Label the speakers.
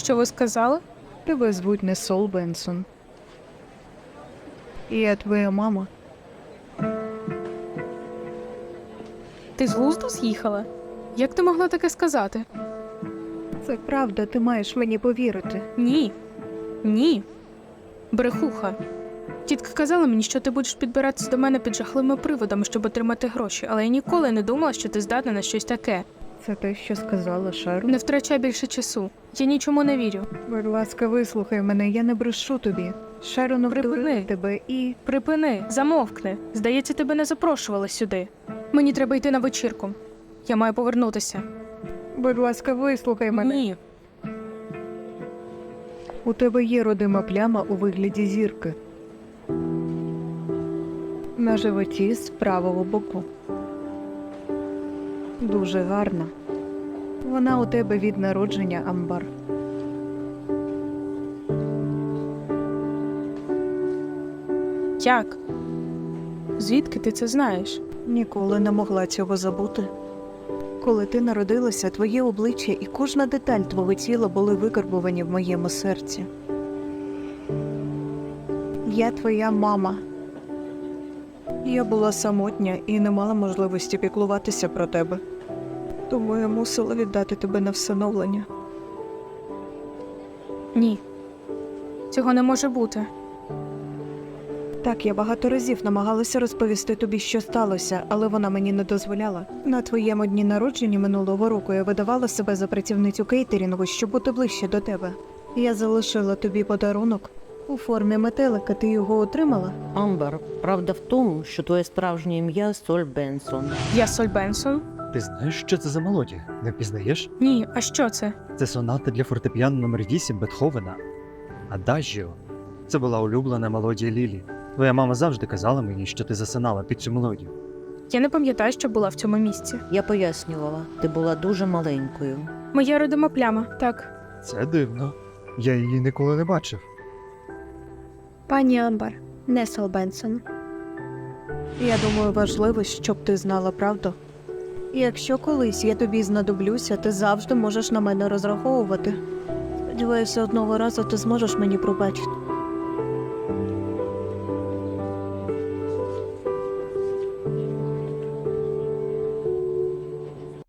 Speaker 1: Що ви сказали?
Speaker 2: Тебе звуть не Сол Бенсон. І я твоя мама.
Speaker 1: Ти з глузду з'їхала? Як ти могла таке сказати?
Speaker 2: Це правда, ти маєш мені повірити.
Speaker 1: Ні. Ні. Брехуха. Тітка казала мені, що ти будеш підбиратися до мене під жахливими приводами, щоб отримати гроші, але я ніколи не думала, що ти здатна на щось таке.
Speaker 2: Це те, що сказала Шерон.
Speaker 1: Не втрачай більше часу. Я нічому не вірю.
Speaker 2: Будь ласка, вислухай мене, я не брешу тобі. Шерон обдурила тебе і...
Speaker 1: Припини, замовкни. Здається, тебе не запрошували сюди. Мені треба йти на вечірку. Я маю повернутися.
Speaker 2: Будь ласка, вислухай мене.
Speaker 1: Ні.
Speaker 2: У тебе є родима пляма у вигляді зірки. На животі з правого боку. Дуже гарна. Вона у тебе від народження, Амбар.
Speaker 1: Як? Звідки ти це знаєш?
Speaker 2: Ніколи не могла цього забути. Коли ти народилася, твоє обличчя і кожна деталь твого тіла були викарбовані в моєму серці. Я твоя мама. Я була самотня і не мала можливості піклуватися про тебе. Тому я мусила віддати тебе на всиновлення.
Speaker 1: Ні. Цього не може бути.
Speaker 2: Так, я багато разів намагалася розповісти тобі, що сталося, але вона мені не дозволяла. На твоєму дні народження минулого року я видавала себе за працівницю кейтерінгу, щоб бути ближче до тебе. Я залишила тобі подарунок у формі метелика. Ти його отримала?
Speaker 3: Амбер, правда в тому, що твоє справжнє ім'я Соль Бенсон.
Speaker 1: Я Соль Бенсон?
Speaker 4: Ти знаєш, що це за мелодія? Не впізнаєш?
Speaker 1: Ні, а що це?
Speaker 4: Це соната для фортепіано номер 8 Бетховена. Адажіо. Це була улюблена мелодія Лілі. Твоя мама завжди казала мені, що ти засинала під цю мелодію.
Speaker 1: Я не пам'ятаю, що була в цьому місці.
Speaker 3: Я пояснювала, ти була дуже маленькою.
Speaker 1: Моя родима пляма, так.
Speaker 4: Це дивно. Я її ніколи не бачив.
Speaker 5: Пані Амбар, не Сол Бенсон.
Speaker 2: Я думаю, важливо, щоб ти знала правду. І якщо колись я тобі знадоблюся, ти завжди можеш на мене розраховувати. Сподіваюся, одного разу ти зможеш мені пробачити.